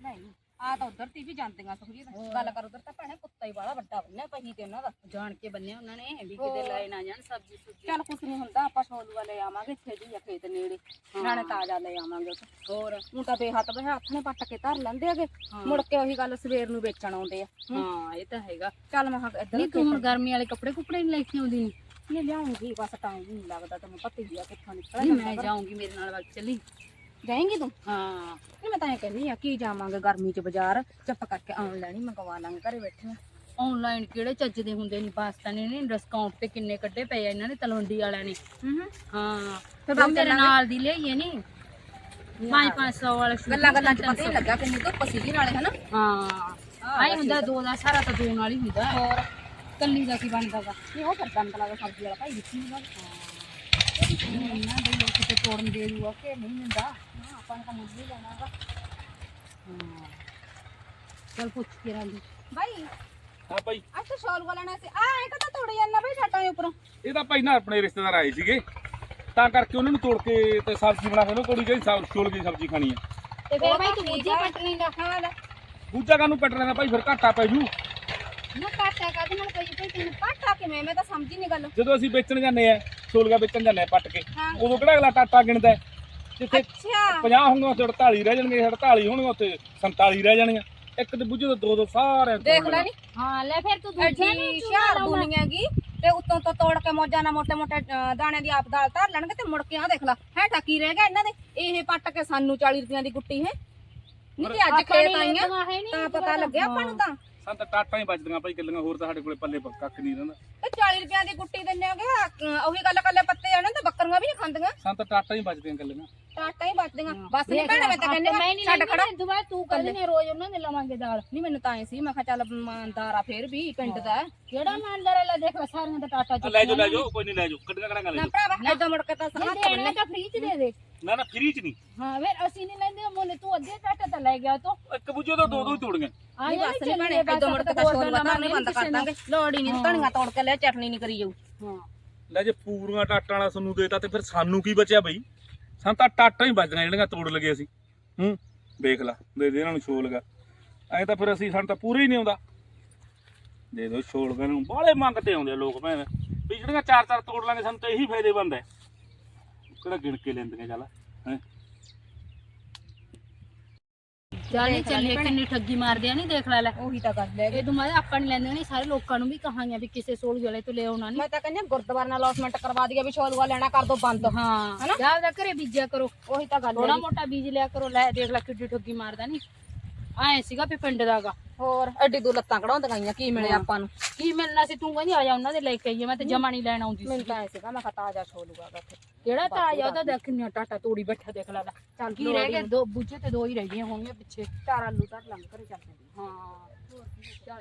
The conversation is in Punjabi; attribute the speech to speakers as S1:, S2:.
S1: ਨਹੀਂ ਆ ਤਾਂ ਉਧਰ ਤੀ ਵੀ ਜਾਂਦੀਆਂ ਸੁਖਜੀਤ ਗੱਲ ਕਰ ਉਧਰ ਤਾਂ ਭੈਣੇ ਕੁੱਤਾ ਹੀ ਬਾਲਾ ਵੱਡਾ ਬੰਨਿਆ ਪਹੀ ਤੇ ਉਹਨਾਂ ਦਾ
S2: ਜਾਣ ਕੇ ਬੰਨਿਆ ਉਹਨਾਂ ਨੇ ਵੀ ਕਿਤੇ ਲੈ ਨਾ ਜਾਣ ਸਬਜ਼ੀ ਸੁਬਜ਼ੀ।
S1: ਚੱਲ ਕੁਛ ਨਹੀਂ ਹੁੰਦਾ ਆਪਾਂ ਛੋਲੂਆ ਲੈ ਆਵਾਂਗੇ ਛੇੜੀ ਆ ਖੇਤ ਨੇੜੇ ਨਾਲੇ ਤਾਜ਼ਾ ਲੈ ਆਵਾਂਗੇ ਉੱਥੇ
S2: ਹੋਰ
S1: ਹੁਣ ਤਾਂ ਬੇਹੱਥ ਹੱਥ ਨੇ ਪੱਟ ਕੇ ਧਰ ਲੈਂਦੇ ਹੈਗੇ ਮੁੜ ਕੇ ਉਹੀ ਗੱਲ ਸਵੇਰ ਨੂੰ ਵੇਚਣ ਆਉਂਦੇ ਆ
S2: ਹਾਂ ਇਹ ਤਾਂ ਹੈਗਾ।
S1: ਚੱਲ ਮੈਂ ਇੱਧਰ
S2: ਨਹੀਂ ਤੂੰ ਹੁਣ ਗਰਮੀ ਵਾਲੇ ਕੱਪੜੇ ਕੁਪੜੇ ਨਹੀਂ ਲੈ ਕੇ ਆਉਂਦੀ ਨੀ?
S1: ਨਹੀਂ ਲਿਆਉਂਗੀ ਬਸ ਟਾਈਮ ਨਹੀਂ ਲੱਗਦਾ ਤੈਨੂੰ ਪਤਾ ਹੀ ਆ ਕਿੱਥੋਂ ਨਿਕਲਿਆ
S2: ਨਹੀਂ ਮੈਂ ਜਾਊਂਗੀ ਮੇਰੇ ਨਾਲ ਵਗ ਚੱਲੀ।
S1: ਜਾਏਂਗੀ ਤੂੰ?
S2: ਹਾਂ
S1: ਨਹੀਂ ਮੈਂ ਤਾਂ ਇਹ ਕਹਿੰਦੀ ਆ ਕੀ ਜਾਵਾਂਗੇ ਗਰਮੀ ਚ ਬਾਜ਼ਾਰ ਚੁੱਪ ਕਰਕੇ ਆਨਲਾਈਨ ਹੀ ਮੰਗਵਾ ਲਾਂਗੇ ਘਰੇ ਬੈਠੇ
S2: ਆਨਲਾਈਨ ਕਿਹੜੇ ਚੱਜ ਦੇ ਹੁੰਦੇ ਨਹੀਂ ਪਾਕਿਸਤਾਨੀ ਨੇ ਡਿਸਕਾਊਂਟ ਤੇ ਕਿੰਨੇ ਕੱਢੇ ਪਏ ਆ ਇਹਨਾਂ ਨੇ ਤਲਵੰਡੀ ਵਾਲਿਆਂ ਨੇ। ਹਾਂ ਫਿਰ ਮੇਰੇ ਨਾਲ ਦੀ ਲਈਏ ਨਹੀਂ 500 ਵਾਲਾ
S1: ਗੱਲਾਂ ਗੱਲਾਂ ਚ ਪਤਾ ਹੀ ਲੱਗਾ ਕਿੰਨੀ ਧੁੱਪ ਸੀਗੀ ਨਾਲੇ ਹਨਾ।
S2: ਹਾਂ ਆਈ ਹੁੰਦਾ ਦੋ ਦਾ ਸਾਰਾ ਤਾਂ ਦੋ ਨਾਲ ਹੀ ਹੁੰਦਾ
S1: ਹੋਰ
S2: ਕੱਲੀ ਦਾ ਕੀ ਬਣਦਾ ਵਾ।
S1: ਨਹੀਂ ਉਹ ਫਿਰ ਦੰਦ ਲਾ ਸਬਜ਼ੀ ਵਾਲਾ ਭਾਈ ਦਿੱਤੀ ਨਾ
S2: ਇਹਨਾਂ ਦੇ ਲੋਕ ਕਿਤੇ ਤੋੜਨ ਦੇ ਦੂਗਾ ਕਿ ਨਹੀਂ ਹੁੰਦਾ।
S1: ਆਪਾਂ ਨੇ ਤਾਂ ਮੁੱਲ ਹੀ ਲੈਣਾ ਵਾ।
S2: ਹਾਂ ਚਲ ਪੁੱਛ ਕੇ ਰਾਂਦੀ
S1: ਭਾਈ
S3: ਹਾਂ ਭਾਈ
S1: ਅੱਜ ਤਾਂ ਸ਼ਾਲ ਵਾਲਾ ਨਾ ਸੀ ਆ ਇਹ ਤਾਂ ਤੋੜ ਜਾਂਦਾ ਭਾਈ ਛੱਟਾਂ ਦੇ ਉੱਪਰੋਂ।
S3: ਇਹ ਤਾਂ ਭਾਈ ਨਾ ਆਪਣੇ ਰਿਸ਼ਤੇਦਾਰ ਆਏ ਸੀਗੇ ਤਾਂ ਕਰਕੇ ਉਹਨਾਂ ਨੂੰ ਤੋੜ ਕੇ ਤੇ ਸਬਜ਼ੀ ਬਣਾ ਕੇ ਉਹਨੂੰ ਕੋੜੀ ਜਿਹੜੀ ਛੋਲ ਦੀ ਸਬਜ਼ੀ ਖਾਣੀ ਹੈ।
S2: ਤੇ ਫਿਰ ਭਾਈ ਤੂੰ ਬੂਝੇ ਪਟਣੀ ਦਾ
S1: ਹਾਂ ਲੈ
S3: ਦੂਜਾ ਕਾਨੂੰ ਪੱਟ ਲੈਣਾ ਭਾਈ ਫਿਰ ਘਾਟਾ ਪੈ ਜੂ।
S1: ਨਾ ਕਾਟਾ ਕਾਦੇ ਨਾਲ ਪਈ ਭਾਈ ਤੈਨੂੰ ਕਾਟਾ ਕਿਵੇਂ ਮੈਂ ਤਾਂ ਸਮਝੀ ਨਹੀਂ ਗੱਲ।
S3: ਜਦੋਂ ਅਸੀਂ ਵੇਚਣ ਜਾਂਦੇ ਆ ਛੋਲਗਾ ਵੇਚਣ ਜਾਂਦੇ ਆ ਪੱਟ ਕੇ
S1: ਹਾਂ।
S3: ਉਦੋਂ ਕਿਹੜਾ ਅਗਲਾ ਟਾਟਾ ਗਿਣਦਾ ਹੈ? ਜਿੱਥੇ
S1: ਅੱਛਾ
S3: 50 ਹੋਣਗੇ ਉੱਥੇ 48 ਰਹਿ ਜਾਣਗੇ 48 ਹੋਣਗੇ ਉੱਥੇ 47 ਰਹਿ ਜਾਣਗੀਆਂ। ਇੱਕ ਤੇ ਬੁੱਝੇ ਤੋਂ ਦੋ ਸਾਰੇ
S1: ਦੇਖ ਲੈ ਨੀ
S2: ਹਾਂ ਲੈ ਫਿਰ ਤੂੰ ਦੂਜੇ ਨੂੰ
S1: ਐਡੀ ਸ਼ਹਿਰ ਦੁਨੀਆ ਗੀ ਤੇ ਉੱਤੋਂ ਤੋਂ ਤੋੜ ਕੇ ਮੋਜਾਂ ਨਾਲ ਮੋਟੇ ਮੋਟੇ ਦਾਣਿਆਂ ਦੀ ਆਪ ਦਾਲ ਧਰ ਲੈਣਗੇ ਤੇ ਮੁੜ ਕੇ ਆ ਦੇਖ ਲੈ ਹੈ ਟੱਕੀ ਰਹਿ ਗਿਆ ਇਹਨਾਂ ਦੇ। ਇਹ ਪੱਟ ਕੇ ਸਾਨੂੰ 40 ਰੁਪਈਆਂ ਦੀ ਗੁੱਟੀ ਹੈ ਨਹੀਂ ਤੇ ਅੱਜ ਖੇਤ ਆਈਆਂ ਤਾਂ ਪਤਾ ਲੱਗਿਆ ਆਪਾਂ ਨੂੰ ਤਾਂ
S3: ਸਾਨੂੰ ਤਾਂ ਟਾਟਾਂ ਹੀ ਬਚਦੀਆਂ ਭਾਈ ਗੱਲਾਂ ਹੋਰ ਤਾਂ ਸਾਡੇ ਕੋਲੇ ਪੱਲੇ ਕੱਖ ਨਹੀਂ ਰਹਿੰਦਾ।
S1: ਤੇ 40 ਰੁਪਈਆਂ ਦੀ ਗੁੱਟੀ ਦਿੰਨੇ ਹੋਗੇ ਉਹੀ ਗੱਲ ਕੱਲੇ ਪੱਤੇ ਜਾਣੇ ਤੇ ਬੱਕਰੀਆਂ ਵੀ ਨਹੀਂ ਖਾਂਦੀਆਂ
S3: ਸਾਨੂੰ ਤਾਂ ਟਾਟਾਂ ਹੀ ਬਚਦੀਆਂ ਗੱਲਾਂ।
S1: ਟਾਟਾਂ ਹੀ ਬਚਦੀਆਂ ਬਸ ਨਹੀਂ ਭੈਣੇ ਮੈਂ ਤਾਂ ਕਹਿੰਦੀ ਛੱਡ ਖੜਾ
S2: ਦੁਬਾਰਾ ਤੂੰ ਕੱਲ ਨੇ ਰੋਜ਼ ਉਹਨਾਂ ਦੇ ਲਵਾਂਗੇ ਦਾਲ।
S1: ਨਹੀਂ ਮੈਨੂੰ ਤਾਂ ਐ ਸੀ ਮੈਂ ਕਿਹਾ ਚੱਲ ਇਮਾਨਦਾਰ ਆ ਫੇਰ ਵੀ ਪਿੰਡ ਦਾ
S2: ਕਿਹੜਾ ਇਮਾਨਦਾਰ ਲੈ ਦੇਖ ਸਾਰਿਆਂ ਦਾ ਟਾਟਾ
S3: ਲੈ ਜਾਓ ਕੋਈ ਨਹੀਂ ਲੈ ਜਾਓ ਕੱਢੀਆਂ ਕਰਾਂਗਾ ਲੈ
S1: ਨਾ
S3: ਜਾਓ।
S1: ਭਰਾਵਾ ਐਦਾਂ ਮੁੜ ਕੇ ਤਾਂ ਹੱਥ ਬੰਨੇ
S2: ਤਾਂ ਫ੍ਰੀ ਚ ਦੇ ਦੇ।
S3: ਨਾ ਫ੍ਰੀ ਚ ਨਹੀਂ
S2: ਹਾਂ ਫਿਰ ਅਸੀਂ ਨਹੀਂ ਲੈਂਦੇ ਮੋਨੇ ਤੂੰ ਅੱਧੇ ਟਾਟਾ ਤਾਂ ਲੈ ਗਿਆ ਤੂੰ।
S3: ਇੱਕ ਬੁੱਝੇ ਤੋਂ ਦੋ ਦੋ ਹੀ ਤੋੜੀਆਂ।
S1: ਨਹੀਂ ਬਸ ਨਹੀਂ ਭੈਣੇ ਐਦਾਂ ਮੁੜ ਕੇ ਤਾਂ ਸ਼ੋਰ ਵਤਾ ਨਹੀਂ ਬੰਦ ਕਰ ਦਾਂਗੇ ਲੋੜ ਹੀ ਨਹੀਂ ਧਣੀਆਂ ਤੋੜ ਕੇ ਲੈ ਚਟਨੀ ਨਹੀਂ ਕਰੀ ਜਾਊ।
S2: ਹਾਂ
S3: ਲੈ ਜੇ ਪੂਰੀਆਂ ਟਾਟਾਂ ਵਾਲਾ ਸਾਨੂੰ ਦੇਤਾ ਤੇ ਫਿਰ ਸਾਨੂੰ ਕੀ ਬਚਿਆ ਬਈ? ਸਾਨੂੰ ਤਾਂ ਟਾਟਾਂ ਹੀ ਬਚਦੀਆਂ ਜਿਹੜੀਆਂ ਤੋੜ ਲਗੇ ਅਸੀਂ। ਵੇਖ ਲਾ ਦੇ ਦੇ ਇਹਨਾਂ ਨੂੰ ਛੋਲ ਲਗਾ ਐ ਤਾਂ ਫਿਰ ਅਸੀਂ ਸਾਨੂੰ ਤਾਂ ਪੂਰੇ ਹੀ ਨਹੀਂ ਆਉਂਦਾ। ਦੇ ਦੋ ਛੋਲ ਗਾ ਨੂੰ ਬਾਹਲੇ ਮੰਗਤੇ ਆਉਂਦੇ ਆ ਲੋਕ ਭੈਣ ਵੀ ਜਿਹੜੀਆਂ ਚਾਰ ਚਾਰ ਤੋੜ ਲਾਂਗੇ ਸਾਨੂੰ ਤਾਂ ਇਹੀ ਫਾਇਦੇਮੰਦ ਹੈ। ਕਿਹੜਾ ਗਿਣ ਕੇ ਲੈਂਦੀਆਂ ਚੱਲ ਹੈ।
S2: ਚੱਲ ਚੱਲੇ ਕਿੰਨੀ ਠੱਗੀ ਮਾਰਦੇ ਆ ਨਹੀਂ ਦੇਖ ਲੈ ਲੈ
S1: ਉਹੀ ਤਾਂ ਗੱਲ ਹੈ
S2: ਇਹ ਦੁਮਾਰੇ ਆਪਾਂ ਨਹੀਂ ਲੈਂਦੇ ਨਹੀਂ ਸਾਰੇ ਲੋਕਾਂ ਨੂੰ ਵੀ ਕਹਾਂਗੇ ਵੀ ਕਿਸੇ ਸੋਲ ਵਾਲੇ ਤੋਂ ਲੈ ਆਉਣਾ ਨਹੀਂ।
S1: ਮੈਂ ਤਾਂ ਕਹਿੰਦੀ ਗੁਰਦੁਆਰੇ ਨਾਲ ਅਲਾਟਮੈਂਟ ਕਰਵਾ ਦਈਏ ਵੀ ਸ਼ੋਲੂਆ ਲੈਣਾ ਕਰ ਦੋ ਬੰਦ।
S2: ਹਾਂ ਜਾ ਜਾ ਘਰੇ ਬੀਜਿਆ ਕਰੋ
S1: ਉਹੀ ਤਾਂ ਗੱਲ
S2: ਥੋੜਾ
S1: ਹੈ
S2: ਮੋਟਾ ਬੀਜ ਲਿਆ ਕਰੋ। ਲੈ ਦੇਖ ਲੈ ਕਿੱਡੀ ਠੱਗੀ ਮਾਰਦਾ ਨਹੀਂ ਆਏ ਸੀਗਾ ਵੀ ਪਿੰਡ ਦਾਗਾ
S1: ਹੋਰ ਐਡੀ ਦੂਰ ਲੱਤਾਂ ਕਢਾਉਂਦੀਆਂ ਗਈਆਂ ਕੀ ਮਿਲਿਆ ਆਪਾਂ ਨੂੰ?
S2: ਕੀ ਮਿਲਣਾ ਸੀ ਤੂੰ ਕਹਿੰਦੀ ਆ ਜਾ ਉਹਨਾਂ ਦੇ ਲੈ ਕੇ ਆਈਏ ਮੈਂ ਤੇ ਜਮਾ ਨਹੀਂ ਲੈਣ ਆਉਂਦੀ
S1: ਮੈਨੂੰ
S2: ਸੀ।
S1: ਤਾਂ ਐ ਸੀਗਾ ਮੈਂ ਕਿਹਾ ਤਾਜ਼ਾ ਛੋਲੂਗਾ ਉੱਥੇ
S2: ਕਿਹੜਾ ਤਾਂ ਆਇਆ ਉਹਦਾ ਦੇਖ ਕਿੰਨਾ ਟਾਟਾ ਤੋੜੀ ਬੈਠਾ ਦੇਖ ਲੈ ਚੱਲ ਕੀ ਰਹਿ ਗਏ ਦੋ ਬੁੱਝੇ ਤੇ ਦੋ ਹੀ ਰਹਿ ਗਈਆਂ ਹੋਣਗੀਆਂ ਪਿੱਛੇ।
S1: 4 ਆਲੂ ਧਰ ਲੰਘ ਘਰੇ ਚੱਲ ਜਾਂਦੀ।
S2: ਹਾਂ